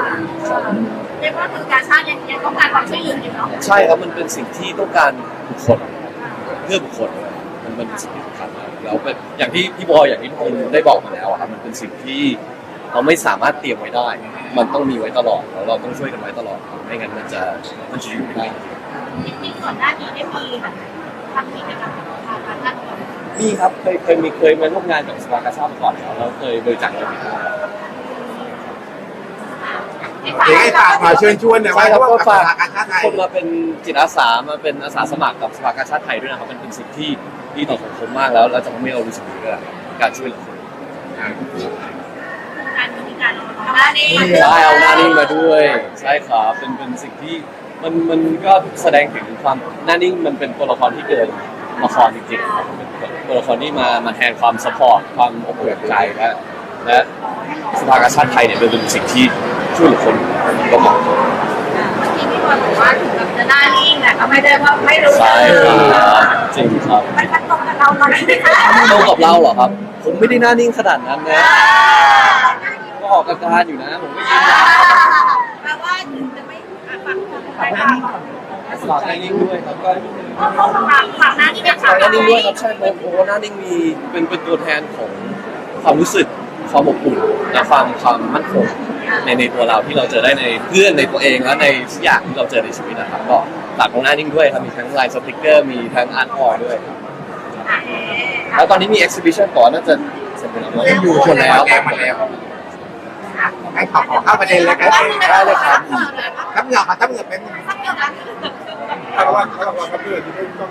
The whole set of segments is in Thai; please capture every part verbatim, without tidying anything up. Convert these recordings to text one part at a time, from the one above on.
เรียกว่าคือการชาติยังยังต้องการความช่วยเหลืออยู่เนาะใช่ครับมันเป็นสิ่งที่ต้องการบุคคลเพื่อบุคคลมันมันเป็นสิ่งที่สำคัญแล้วเป็นอย่างที่พี่บอยอย่างที่ทุกคนได้บอกมาแล้วครับมันเป็นสิ่งที่เราไม่สามารถเตรียมไว้ได้ มันต้องมีไว้ตลอดแล้วเราต้องช่วยกันไว้ตลอดไม่งั้นมันจะมันจะอยู่ไม่ได้จริงๆก่อนหน้านี้ได้มีแบบทำกิจกรรมทางการท่านมีครับเคยเคยมีเคยมาร่วมงานกับสภากาชาดมาก่อนแล้วเคยบริจาคเงินมาเดี๋ยวให้ฝากมาเชิญชวนหน่อยว่าก็ฝากการชาติไทยคนมาเป็นจิตอาสามาเป็นอาสาสมัครกับสภากาชาดไทยด้วยนะครับมันเป็นสิ่งที่ดีต่อสังคมมากแล้วเราจะทำให้เรารู้สึกดีด้วยการช่วยเหลือคนการมีการเอาหน้านิ่งใช่เอาหน้านิ่งมาด้วยใช่ครับเป็นเป็นสิ่งที่มันมันก็แสดงถึงความหน้านิ่งมันเป็นตัวละครที่เกินละครจริงๆเป็นตัวละครที่มามาแทนความซัพพอร์ตความอบอุ่นใจและและสภากาชาดไทยเนี่ยเป็นสิ่งที่ช่วยเหลือคนก็เหมาะที่พี่บอลบอกว่าถึงกับจะหน้านิ่งแต่ก็ไม่ได้ว่าไม่รู้ใช่ครับจริงครับมันตรงกับเราตอนนี้ไหมคะตรงกับเราเหรอครับผมไม่ได้หน้านิ่งขนาดนั้นนะก็ออกอาการอยู่นะผมไม่ยินแปลว่าถึงจะไม่ฟังคนไปฟังฝากหน้านิ่งด้วยครับก็เขาฝากฝากหน้านิ่งด้วยฝากหน้านิ่งด้วยครับใช่เพราะโอ้หน้านิ่งมีเป็นเป็นตัวแทนของความรู้สึกความอบอุ่นและความความมั่นคงในในตัวเราที่เราเจอได้ในเพื่อนในตัวเองและในทุกอย่างที่เราเจอในชีวิตนะครับก็ฝากของหน้านิ่งด้วยครับมีทั้งลายสติกเกอร์มีทั้งอาร์ตทอยด้วยแล้วตอนนี้มี exhibition ก่อนน่าจะเสร็จแล้วอยู่หมดแล้วหมดแล้วให้ขอขอเข้าประเด็นเลยกันได้เลยครับทับเหงาทับเหงาเป็นอะไรทับเหงาที่ต้อง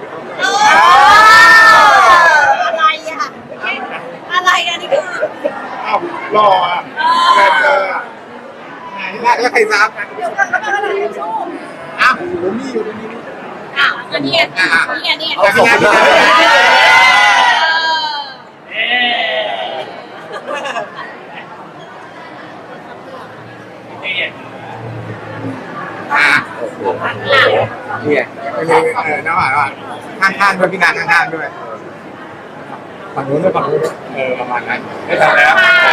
อะไรอ่ะอะไรอ่ะนี่คืออ้าวรออ่ะแเจอแล้วใครซับอ้าวผมมีอยู่ตรงนี้อ้าวอันนี้อ่ะนี่ไงนี่ไงเอาขอบคุณมากอ่านี่ไงเออน้ำหวานว่าข้างๆด้วยพี่นางข้างๆด้วยฝั่งนู้นด้วยฝั่งนู้นเออประมาณนั้นได้ทำแล้ว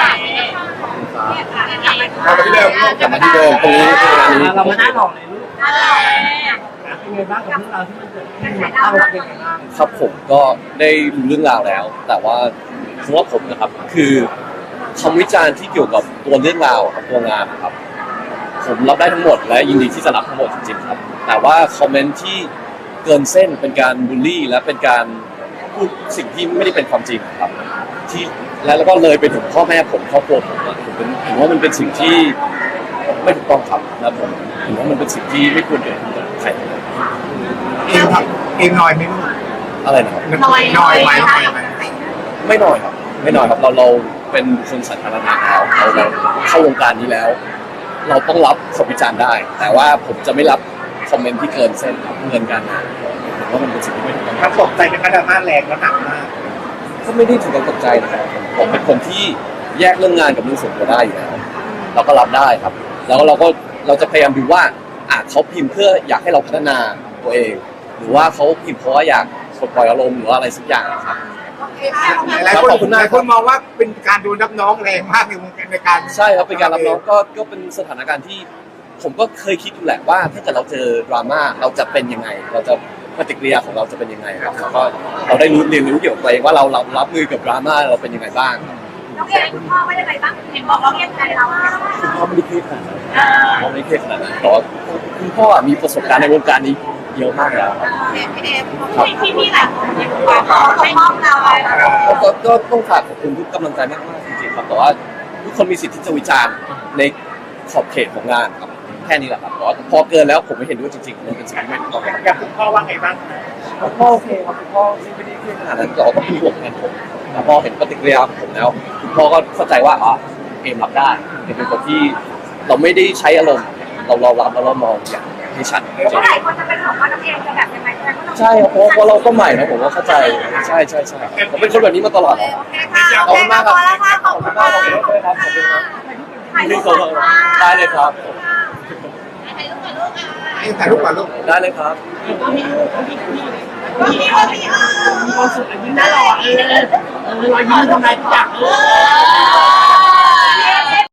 กลับมาที่เดิมกลับมาที่เดิมตรงนี้ตรงนี้เรามาหน้าหล่อเลยลูกเป็นไงบ้างกับเรื่องราวที่มันเกิดขึ้นเราเป็นไงบ้างครับผมก็ได้รู้เรื่องราวแล้วแต่ว่าสำหรับผมนะครับคือคำวิจารณ์ที่เกี่ยวกับตัวเรื่องราวครับตัวงานนะครับผมรับได้ทั้งหมดและยินดีที่จะรับทั้งหมดจริงๆครับแต่ว่าคอมเมนต์ที่เกินเส้นเป็นการบูลลี่และเป็นการพูดสิ่งที่ไม่ได้เป็นความจริงครับที่แล้วก็เลยไปถึงพ่อแม่ผมครอบครัวผมผมเป็นผมว่ามันเป็นสิ่งที่ไม่ถูกต้องครับนะผมผมว่ามันเป็นสิ่งที่ไม่ควรเกิดขึ้นกับใครเองครับเองน้อยไหมอะไรนะครับน้อยน้อยไหมไม่น้อยครับไม่น้อยครับเราเราเป็นคนสาธารณะแล้วเราเราเข้าวงการนี้แล้วเราต้องรับคำวิจารณ์ได้แต่ว่าผมจะไม่รับคอมเมนต์ที่เกินเส้นเกินการผมว่ามันเป็นสิ่งที่ไม่ถูกต้องครับตกใจเป็นกระดาษมาแรงแล้วหนักมากก็ไม่ได้ถึงกับตกใจนะครับผมเป็นคนที่แยกเรื่องงานกับเรื่องส่วนตัวได้อยู่แล้วเราก็รับได้ครับแล้วเราก็เราจะพยายามดูว่าอ่ะเขาพิมพ์เพื่ออยากให้เราพัฒนาตัวเองหรือว่าเขาพิมพ์เพราะว่าอยากปลดปล่อยอารมณ์หรือว่าอะไรสักอย่างครับหลายคนหลายคนมองว่าเป็นการดูรับน้องแรงมากในวงการในการใช่ครับเป็นการรับน้องก็ก็เป็นสถานการณ์ที่ผมก็เคยคิดอยู่แหละว่าถ้าเกิดเราเจอดราม่าเราจะเป็นยังไงเราจะปฏิกิริยาของเราจะเป็นยังไงครับแล้วก็เราได้รู้เรียนรู้เกี่ยวกับตัวเองว่าเรารับรับมือกับดราม่าเราเป็นยังไงบ้างน้องเอ๋คุณพ่อไม่ได้ไปบ้างเห็นบอกน้องเอ๋ใจเราคุณพ่อไม่ได้เครียดขนาดนั้นพ่อไม่ได้เครียดขนาดนั้นแต่ว่าคุณพ่อมีประสบการณ์ในวงการนี้เยอะมากแล้วครับพี่เอ๋พี่พี่หลายคนขอให้มอบเราก็ก็ต้องฝากขอบคุณทุกกำลังใจมากๆจริงๆครับแต่ว่าทุกคนมีสิทธิ์ที่จะวิจารณ์ในขอบเขตของงานครับแค่นี้แหละครับแต่ว่าพอเกินแล้วผมไม่เห็นด้วยจริงๆมันเป็นสิ่งที่ไม่ถูกต้องอยากคุณพ่อว่าไงบ้างคุณพ่อโอเคครับคุณพ่อไม่ได้เครียดขนาดนั้นแต่ว่าก็เป็นห่วงแทนผมแต่พอเห็นปฏิกิริยาของผมแล้วคุณพ่อก็เข้าใจว่าอ๋อเอมรับได้เป็นคนที่เราไม่ได้ใช้อารมณ์เราเรารับแล้วเรามองอย่างให้ชัดเมื่อไหร่คนจะเป็นของว่าน้องเอ๋จะแบบยังไงใช่ครับเพราะเราก็ใหม่นะผมว่าเข้าใจใช่ใช่ใช่ผมเป็นคนแบบนี้มาตลอดขอบคุณมากครับขอบคุณมากขอบคุณด้วยครับขอบคุณครับได้เลยครับถ่ายรูปก่อนลูกได้เลยครับมีมีความสุขยิ้มได้หรอเออเออรอยยิ้มทำลายทุกอย่าง